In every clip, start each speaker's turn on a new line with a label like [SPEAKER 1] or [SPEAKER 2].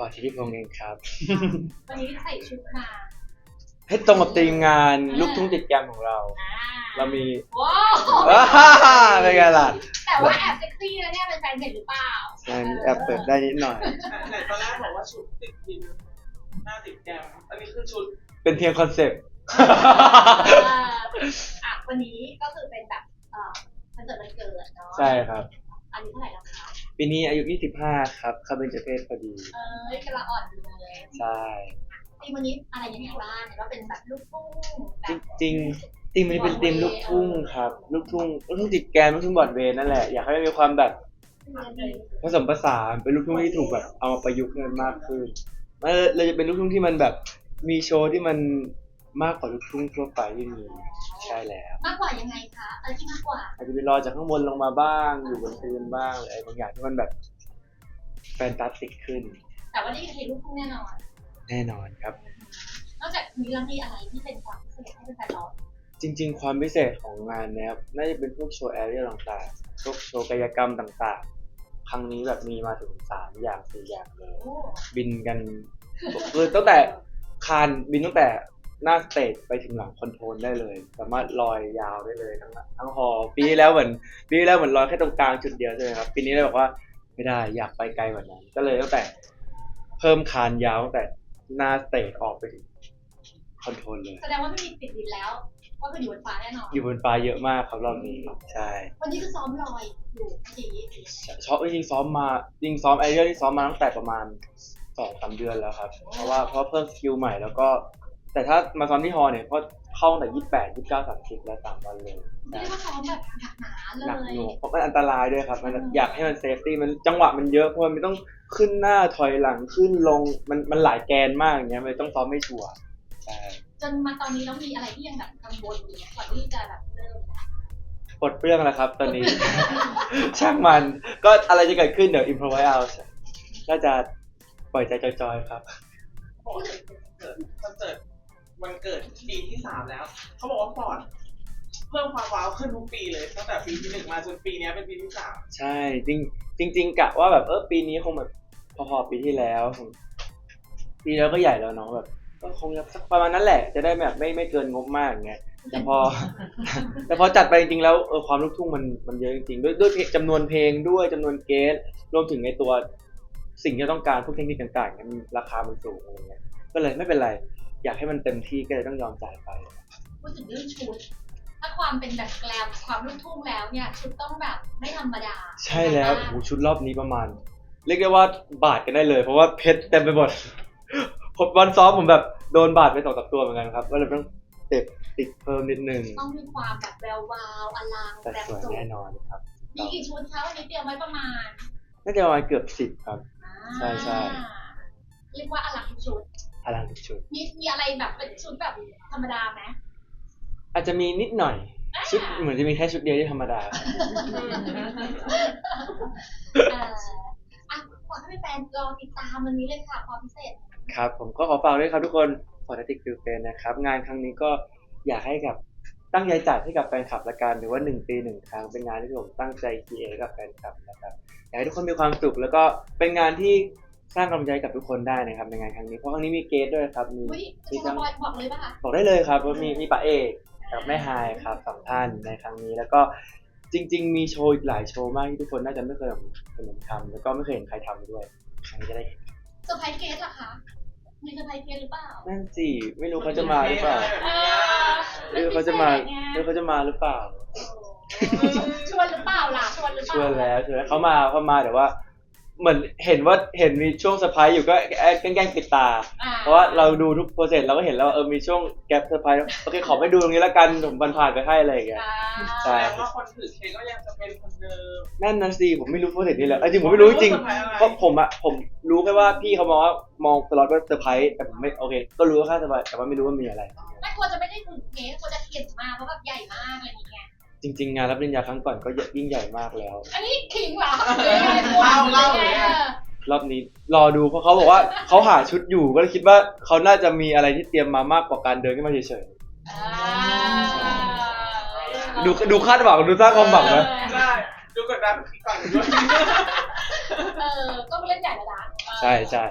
[SPEAKER 1] ธิติพงษ์เองครับ
[SPEAKER 2] วันนี้ใส่ชุดมา
[SPEAKER 1] ให้ตรงกับธีมงานลูกทุ่งติดแกรมของเรา
[SPEAKER 2] อ่า
[SPEAKER 1] เรามี
[SPEAKER 2] ว้าว
[SPEAKER 1] เป็นไงล่ะ
[SPEAKER 2] แต่ว่าแอบเซ็กซี่แล้วเนี่ยเป็นแฟนเห็นหรือเปล่า
[SPEAKER 1] แอบเปิดได้นิดหน่อย
[SPEAKER 3] ไหนตอนแรกบอกว่าชุดติดทีมหน้าติดแกมอันนี้คือชุด
[SPEAKER 1] เป็นเพียงคอนเซ็ปต์
[SPEAKER 2] วันนี้ก็คือเป็นแบบคอนเสิร์ตวันเกิดเนาะ
[SPEAKER 1] ใช่ครับ
[SPEAKER 2] อันนี้เท่าไหร่แล้วคะ
[SPEAKER 1] ปีนี้อายุ 25 ครับเข้าเบญจเพศพอดี
[SPEAKER 2] กำลังอ่อนอยู่เลย
[SPEAKER 1] ใช่
[SPEAKER 2] ทีวันนี้อะไรยังไงบ้างเนี่ยว่าเป็นแบบลูกทุ่งแบบ
[SPEAKER 1] จริงๆทีมมันเป็นทีมลูกทุ่งครับลูกทุ่งติดแกรมลูกทุ่งบรอดเวย์นั่นแหละอยากให้มันมีความแบบผสมผสานเป็นลูกทุ่งที่ถูกแบบเอามาประยุกต์ให้มันมากขึ้นเราจะเป็นลูกทุ่งที่มันแบบมีโชว์ที่มันมากกว่าลูกทุ่งทั่วไปที่มีใช่แล้ว
[SPEAKER 2] มากกว่ายังไงคะอะไรที่มากกว่า
[SPEAKER 1] อาจจะไปรอจากข้างบนลงมาบ้างอยู่บนพื้นบ้างอะไรบางอย่างที่มันแบบแฟนตาสติกขึ้น
[SPEAKER 2] แต่ว่านี่คือเพลงลูกทุ่งแน่นอน
[SPEAKER 1] แน่นอนครับ
[SPEAKER 2] นอกจากนี้แล้วมีอะไรที่เป็นความพิเศษให้เป็นแฟนร้อง
[SPEAKER 1] จริงๆ ความพิเศษของงานเนี้ยน่าจะเป็นพวกโชว์แอเรียลต่างๆพวกโชว์กายกรรมต่างๆ ครั้งนี้แบบมีมาถึง3 อย่าง 4 อย่างเลย
[SPEAKER 2] โอ้
[SPEAKER 1] บินกันคือตั้งแต่คานบินตั้งแต่หน้าสเตจไปถึงหลังคอนโทรลได้เลย สามารถลอยยาวได้เลยทั้งฮอลล์ปีที่แล้วเหมือนลอยแค่ตรงกลางจุดเดียวใช่ไหมครับปีนี้เลยบอกว่าไม่ได้อยากไปไกลกว่านั้น ก็เลยตั้งแต่เพิ่มคานยาวตั้งแต่หน้าสเตจออกไปถึงคอนโทรลเลย
[SPEAKER 2] แสดงว่าไม่มีติดดินแล้วก็คืออยู่บนฟ้าแน่นอน
[SPEAKER 1] อยู่บนฟ้าเยอะมากครับรอบนี้ใช่
[SPEAKER 2] วันนี้คือซ้อมลอยอยู่ที
[SPEAKER 1] จริงซ้อมไอเรียลที่ซ้อมมาตั้งแต่ประมาณ 2-3 เดือนแล้วครับเพราะเพิ่มสกิลใหม่แล้วก็แต่ถ้ามาซ้อมที่ฮอลล์เนี่ยก็เข้าตั้งแต่28 29 30แล้ว3 วันเลย
[SPEAKER 2] ไม่ได้ว่าซ้อมแบบหนักหนาเล
[SPEAKER 1] หนัก
[SPEAKER 2] ย
[SPEAKER 1] หน่วงเพราะมันอันตรายด้วยครับมันอยากให้มันเซฟตี้มันจังหวะมันเยอะเพราะมันต้องขึ้นหน้าถอยหลังขึ้นลงมันหลายแกนมากอย่างเงี้ยมันต้องซ้อมไม่ชัวร์ใช่
[SPEAKER 2] จนมาตอนนี้แล้วมีอะไรที่ยังแบบกังวลอยู่ก่อนที่จะแบบเริ่มนะ
[SPEAKER 1] ปลดเปลื้องแล้วครับตอนนี้ ช่างมันก็อะไรจะเกิดขึ้นเดี๋ยวอิมพรไวส์เอาก็จะปล่อยใจจอยๆครับ
[SPEAKER 3] บอกว่าคอนเสิร์ตวันเกิดปีที่3แล้วเขาบอกว่าฟอร์ดเพิ่มความว้าวขึ้นทุกปีเลยตั้งแต่ปีที่1มาจนปีนี้เป็นปีที่3
[SPEAKER 1] ใช่จริงกะว่าแบบปีนี้คงแบบพอๆปีที่แล้วปีแล้วก็ใหญ่แล้วเนาะแบบก็คงสักประมาณนั้นแหละจะได้แบบไม่เกินงบมากอย่างเงี้ยแต่พอจัดไปจริงๆแล้วความลูกทุ่งมันเยอะจริงๆด้วยจำนวนเพลงด้วยจำนวนเกสรวมถึงในตัวสิ่งที่ต้องการพวกเทคนิคต่างๆเนี่ยมันราคามันสูงอะไรเงี้ยก็เลยไม่เป็นไรอยากให้มันเต็มที่ก็เลยต้องยอมจ่ายไป
[SPEAKER 2] พูดถึงเรื่องชุดถ้าความเป็นแบบแกลมความลูกทุ่งแล้วเนี่ยชุดต้องแบบไม่ธรรมดา
[SPEAKER 1] ใช่แล้วโหชุดรอบนี้ประมาณเรียกได้ว่าบาดกันได้เลยเพราะว่าเพชรเต็มไปหมด ผมวันซ้อมผมแบบโดนบาดไป2-3 ตัวเหมือนกันครับก็เลยต้องติดเพิ่มนิดนึง
[SPEAKER 2] ต้องมีความแบบแวววาวอลัง
[SPEAKER 1] แต่
[SPEAKER 2] แบบ
[SPEAKER 1] สวย
[SPEAKER 2] สุด
[SPEAKER 1] แน่นอนครับ
[SPEAKER 2] มีกี่ชุดคะวันนี้เตรียมไว้ประมาณ
[SPEAKER 1] น่าจะประมาณเกือบ10ครับ ใช่
[SPEAKER 2] เรียกว่าอลังทุกชุด
[SPEAKER 1] อลังทุกชุด
[SPEAKER 2] มีอะไรแบบเป็นชุดแบบธรรมดาไหม
[SPEAKER 1] อาจจะมีนิดหน่อยชุดเหมือนจะมีแค่ชุดเดียวที่ธรรมดา
[SPEAKER 2] ขอให้แฟนรอติดตามวันนี้เลยค่ะความพิเศษ
[SPEAKER 1] ครับผมก็ขอฝากด้วยครับทุกคนฟอร์ดติกฟิลเฟนนะครับงานครั้งนี้ก็อยากให้กับตั้งใจจัดให้กับแฟนคลับละกันหรือว่า1 ปี 1 ครั้งเป็นงานที่ผมตั้งใจครีเอทกับแฟนคลับนะครับอยากให้ทุกคนมีความสุขแล้วก็เป็นงานที่สร้างกำลังใจกับทุกคนได้นะครับในงานครั้งนี้เพราะครั้งนี้มีเกสด้วยครับมี
[SPEAKER 2] จะสปอยบอกเลยป่ะคะ
[SPEAKER 1] บอกได้เลยครับว่ามีป๋าเอกกับแม่ไฮายครับ2 ท่านในครั้งนี้แล้วก็จริงๆมีโชว์อีกหลายโชว์มากที่ทุกคนน่าจะไม่เคยเห็นทำแล้วก็ไม่เคยเห็นใครทำด้วยครั้งนี้จะได้เห็น
[SPEAKER 2] เซอร์ไพรส์เกสเหรอคะมีเซอร์ไพรส์เกสหรือเปล่า
[SPEAKER 1] นั่นสิไม่รู้เขาจะมาหรือเปล่าไม่รู้เขาจะมาหรือเปล่า
[SPEAKER 2] ชวนหรือเปล่าล่ะชวนหรือเป
[SPEAKER 1] ช
[SPEAKER 2] ล่า
[SPEAKER 1] วนแล้วเขามาแต่ว่าเหมือนเห็นมีช่วงเซอร์ไพรส์อยู่ก็แกล้งปิดตาเพราะว่าเราดูทุกโปรเซสเราก็เห็นแล้วมีช่วงแกปเซอร์ไพรส์โอเคขอไปดูตรงนี้แล้วกันผมผ่านไปให้อะไรอย่างเงี้ย
[SPEAKER 3] แสดงว่าคนถือเค้กก็ยังจะเป็นคนเดิม
[SPEAKER 1] นั่นนะสิผมไม่รู้โปรเซสนี้แล้วจริงผมไม่รู้จริงเพราะผมรู้แค่ว่าพี่เขามองสล็อตว่าเซอร์ไพรส์แต่ผมไม่โอเคก็รู้ว่าค่าเซอร์ไพรส์แต่ว่าไม่รู้ว่ามีอะไร
[SPEAKER 2] ไม่ควรจะไม่ได้ถึงเกสควรจะเขียนมาเพราะแบบใหญ่มากอะไรอย่างเงี้ย
[SPEAKER 1] จริงๆงานรับปริญญาครั้งก่อนก็ยิ่งใหญ่มากแล้ว
[SPEAKER 2] อันนี้ขิงเหรอ
[SPEAKER 3] เล่า
[SPEAKER 1] รอบนี้รอดูเพราะเขาบอกว่าเขาหาชุดอยู่ก็เลยคิดว่าเขาน่าจะมีอะไรที่เตรียมมามากกว่าการเดินขึ้นมาเฉยๆดูคาดหวังดูสร้างความหวังนะ
[SPEAKER 3] ใช่ดูกดดันฝั่งด้วย
[SPEAKER 2] ก็ไม่เล่นใหญ่ระดับ
[SPEAKER 1] ใช่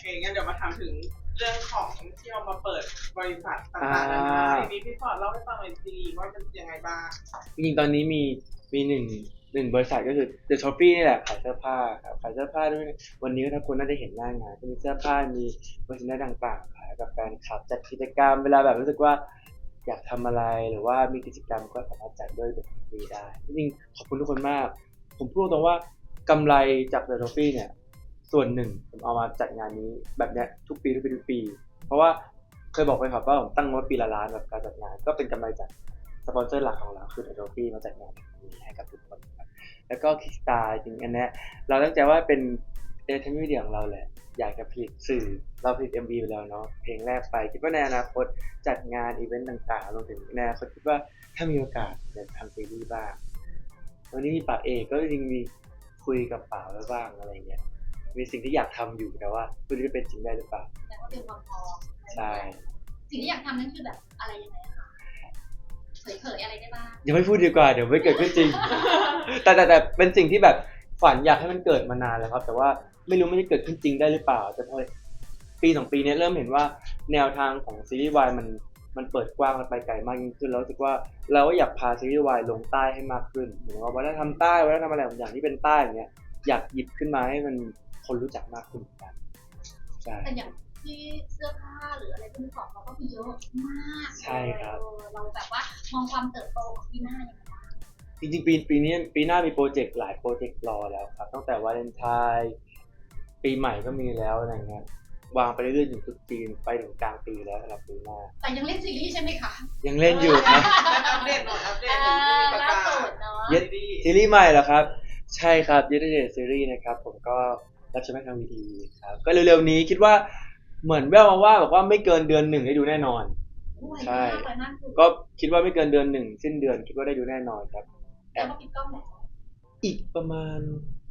[SPEAKER 3] เคงั้นเดี๋ยวมาถามถึงเรื่องของที่เอามาเปิดบริษัทต่างๆนานาทีนี้พี่ฟอร์ดเล่าให้ฟังหน่อยสิว่ามันยังไงบ้าง
[SPEAKER 1] จริงๆตอนนี้มีหนึ่งบริษัทก็คือ The Shopee นี่แหละขายเสื้อผ้าครับขายเสื้อผ้าด้วยวันนี้ก็ถ้าคุณน่าจะเห็นหน้างานก็มีเสื้อผ้ามีโฆษณาต่างๆขายกับแฟนคลับจัดกิจกรรมเวลาแบบรู้สึกว่าอยากทำอะไรหรือว่ามีกิจกรรมก็สามารถจัดด้วยแบบนี้ได้จริงๆขอบคุณทุกคนมาก ผมพูดตรงว่ากำไรจาก The Shopee เนี่ยส่วนหนึ่งผมเอามาจัดงานนี้แบบเนี้ยทุกปีเพราะว่าเคยบอกไปครับว่าผมตั้งงบปีละล้านแบบการจัดงานก็เป็นกำไรจากสปอนเซอร์หลักของเราคือ The Shopee มาจัดงานนี้ให้กับทุกคนครับแล้วก็ Kickstar จริงอันเนี้ยเราตั้งใจว่าเป็นentertainment media ของเราแหละอยากจะผลิตสื่อเราผลิต MV ไปแล้วเนาะเพลงแรกไปคิดว่าในอนาคตจัดงานอีเวนต์ต่างๆรวมถึงในอนาคตคิดว่าถ้ามีโอกาสอยากทำซีรีส์บ้างวันนี้มีป่าเอกก็จริงๆมีคุยกับป่าไว้บ้างอะไรเงี้ยมีสิ่งที่อยากทำอยู่แต่ว่าไม่รู้จะเป็นจริงได้หรือเปล่า
[SPEAKER 2] แต่ว่าเป็นความพร้อม
[SPEAKER 1] ใช่
[SPEAKER 2] สิ่งที่อยากทำนั่นคือแบบอะไรยังไงคะเผยอะไรได้บ้าง
[SPEAKER 1] ยังไม่พูดดีกว่าเดี๋ยวไม่เกิดขึ้นจริง แต่เป็นสิ่งที่แบบฝันอยากให้มันเกิดมานานแล้วครับแต่ว่าไม่รู้มันจะเกิดขึ้นจริงได้หรือเปล่าแต่พอปี2 ปีนี้เริ่มเห็นว่าแนวทางของซีรีส์วายมันเปิดกว้างและไปไกลมากยิ่งขึ้นแล้วรู้สึกว่าเราก็อยากพาซีรีส์วายลงใต้ให้มากขึ้นเหมือนว่าวัฒนธรรมใต้วัฒนธรรมอะไรบางอย่างที่เป็นใต้อย่างเงี้ยอยากหยิบขึ้นมาให้มันคนรู้จักมากขึ้นเหมือนกันใช่
[SPEAKER 2] แต่อย่างที่เสื้อผ้าหรืออะไรที่มีของเราก็มีเยอะมาก
[SPEAKER 1] ใช่ครับ
[SPEAKER 2] เราแบบว่ามองความเติบโตของปีหน้ายังไงบ้าง
[SPEAKER 1] จริงๆปีหน้ามีโปรเจกต์หลายโปรเจกต์รอแล้วครับตั้งแต่วาเลนไทน์ปีใหม่ก็มีแล้วอะไรเงี้ยวางไปเรื่อยๆถึงตรุษจีนไปถึงกลางปีแล้วสำหรับปีหน้า
[SPEAKER 2] แต่ยังเล่นซีรีส์ใช่ไหมคะ
[SPEAKER 1] ยังเล่นอยู่ครับ
[SPEAKER 3] อัปเดตหน่อยอัปเดต
[SPEAKER 2] ล่าสุดเนาะ
[SPEAKER 1] เย็ด ซีรีส์ใหม่เหรอครับ ใช่ครับ Yesterday Series นะครับผมก็รับชมทางวีทีครับก็เร็วๆนี้คิดว่าเหมือนแว่วมาว่าบอกว่าไม่เกินเดือน1ได้ดูแน่นอน ใช่ ก็คิดว่าไม่เกินเดือน1สิ้นเดือนคิดว่าได้ดูแน่นอนครับ
[SPEAKER 2] แต่ว่าปิดกล้องแล้ว
[SPEAKER 1] อีกประมาณ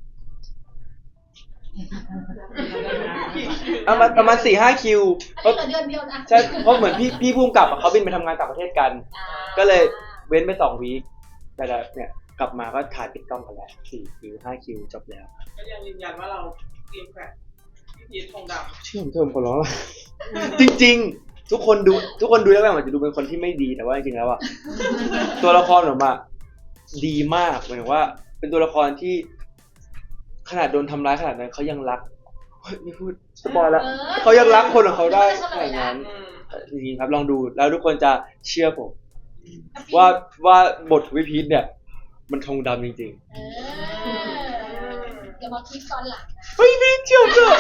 [SPEAKER 1] ประมาณ 4-5 คิว
[SPEAKER 2] อันนี้เหลือเดือนเดียวนะ
[SPEAKER 1] ใช่เพราะเหมือนพี่ภูมิกับเขาบินไปทำงานต่างประเทศกัน ก็เลยเว้นไป2 วีคแต่เนี่ยกลับมาก็ถ่ายปิดกล้องกันแล้ว4 คิว 5 คิวจบแล้ว
[SPEAKER 3] ก็ยังยืนยันว่าเราเตรียมแผนพี่พีทธงดำ
[SPEAKER 1] เชื่อผมเถอะผมขอร้องละ จริงๆ ทุกคนดูแล้วแบบอาจจะดูเป็นคนที่ไม่ดีแต่ว่าจริงๆแล้วอะตัวละครผมอะดีมากหมายถึงว่าเป็นตัวละครที่ขนาดโดนทำร้ายขนาดนั้นเขายังรักเฮ้ยไม่พูดสปอยแล้วเขายังรักคนของเขาได้ขนาดนั้นจริงๆครับลองดูแล้วทุกคนจะเชื่อผมว่าบทวิพีทเนี่ยมันธงดำจริง
[SPEAKER 2] เดี๋ยวมาคิดตอนหลังนะ
[SPEAKER 1] ๆเฮ้ยพี่เชื่อเถอะ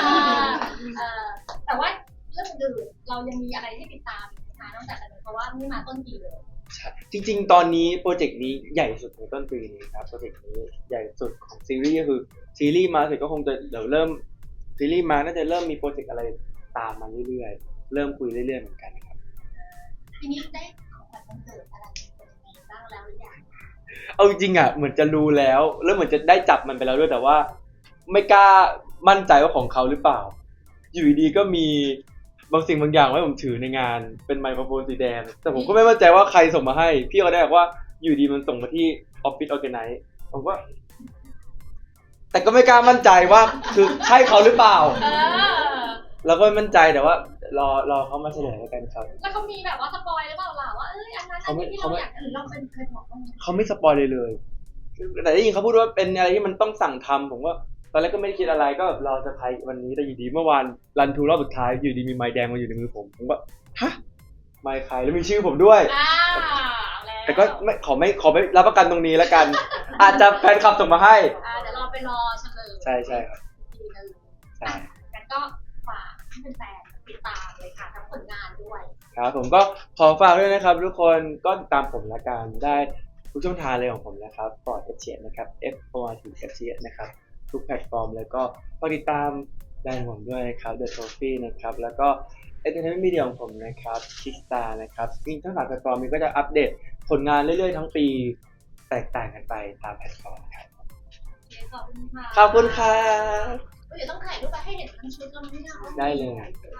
[SPEAKER 2] แต่ว่าเรื่องอื่นเรายังมีอะไรให้ติดตามนะคะนอกจากนี้เพราะว่านี่มาต้นปีเลย
[SPEAKER 1] ใช่จริงๆ ตอนนี้โปรเจกต์นี้ใหญ่สุดในต้นปีนี้ครับโปรเจกต์นี้ใหญ่สุดของซีรีส์ก็คือซีรีส์มาเสร็จก็คงจะเดี๋ยวเริ่มซีรีส์มาน่าจะเริ่มมีโปรเจกต์อะไรตามมาเรื่อยๆเริ่มคุยเรื่อยๆเหมือนกันครับ
[SPEAKER 2] ทีนี้ได้ของขวัญวันเกิดอะไรเป็นยังไงบ้างแล้วหรือยัง
[SPEAKER 1] เอาจริงๆอ่ะเหมือนจะรู้แล้วเหมือนจะได้จับมันไปแล้วด้วยแต่ว่าไม่กล้ามั่นใจว่าของเขาหรือเปล่า อยู่ดีๆก็มีบางสิ่งบางอย่างไว้ผมถือในงานเป็นไมโครโฟนสีแดงแต่ผมก็ไม่มั่นใจว่าใครส่งมาให้พี่ก็ได้บอกว่าอยู่ดีมันส่งมาที่ออฟฟิศออร์แกไนซ์ผมว่าแต่ก็ไม่กล้ามั่นใจว่าคือใช่เขาหรือเปล่าเราก็ไม่มั่นใจแต่ว่ารอเขามาเฉลยแล้วกันครับ
[SPEAKER 2] แล้วเขามีแบบว่าสปอยหรือเปล่าล่ะว่าอันนั้นอันนี้ที่เราอยากหรือเราเป็นเคยบอกว่า
[SPEAKER 1] เขาไม่สปอยเลยแต่ได้ยินเขาพูดว่าเป็นอะไรที่มันต้องสั่งทำผมว่าตอนแรกก็ไม่ได้คิดอะไรก็แบบรอเซอร์ไพรส์วันนี้แต่อยู่ดีเมื่อวานรันทูรอบสุดท้ายอยู่ดีมีไม้แดงมาอยู่ในมือผมก็ฮะไม้ใครแล้วมีชื่อผมด้วยแต่ก็ขอไม่รับประกันตรงนี้แล้วกัน อาจจะแฟนคลับส่งมาให้
[SPEAKER 2] เดี๋ยวเราไปรอเฉลย
[SPEAKER 1] ใช่ครับ
[SPEAKER 2] ทีนึง
[SPEAKER 1] ใช่
[SPEAKER 2] งั้นก็ฝากให้แฟนๆติดตามเลยค่ะทั้งผลงานด้วย
[SPEAKER 1] ครับผมก็ขอฝากด้วยนะครับทุกคนก็ติดตามผมละกันได้ทุกช่องทางเลยของผมนะครับปอดเฉียดนะครับ FORT เฉียดนะครับทุกแพลตฟอร์มแล้วก็ฝากติดตามแบรนด์ผมด้วยนะครับ The Trophy นะครับแล้วก็ Entertainment Media ของผมนะครับ Kickstar นะครับจริงทั้ง3แพลตฟอร์มนี้ก็จะอัปเดตผลงานเรื่อยๆทั้งปีแตกต่างกันไปตามแพลตฟอร์มครับ
[SPEAKER 2] ขอบคุณค่ะ
[SPEAKER 1] ขอบคุณครับ
[SPEAKER 2] เดี๋ยวต้องถ่ายรูปไปให้เห็นทั้งชุดแล้วมั้ยเนี่ย
[SPEAKER 1] ได้เลย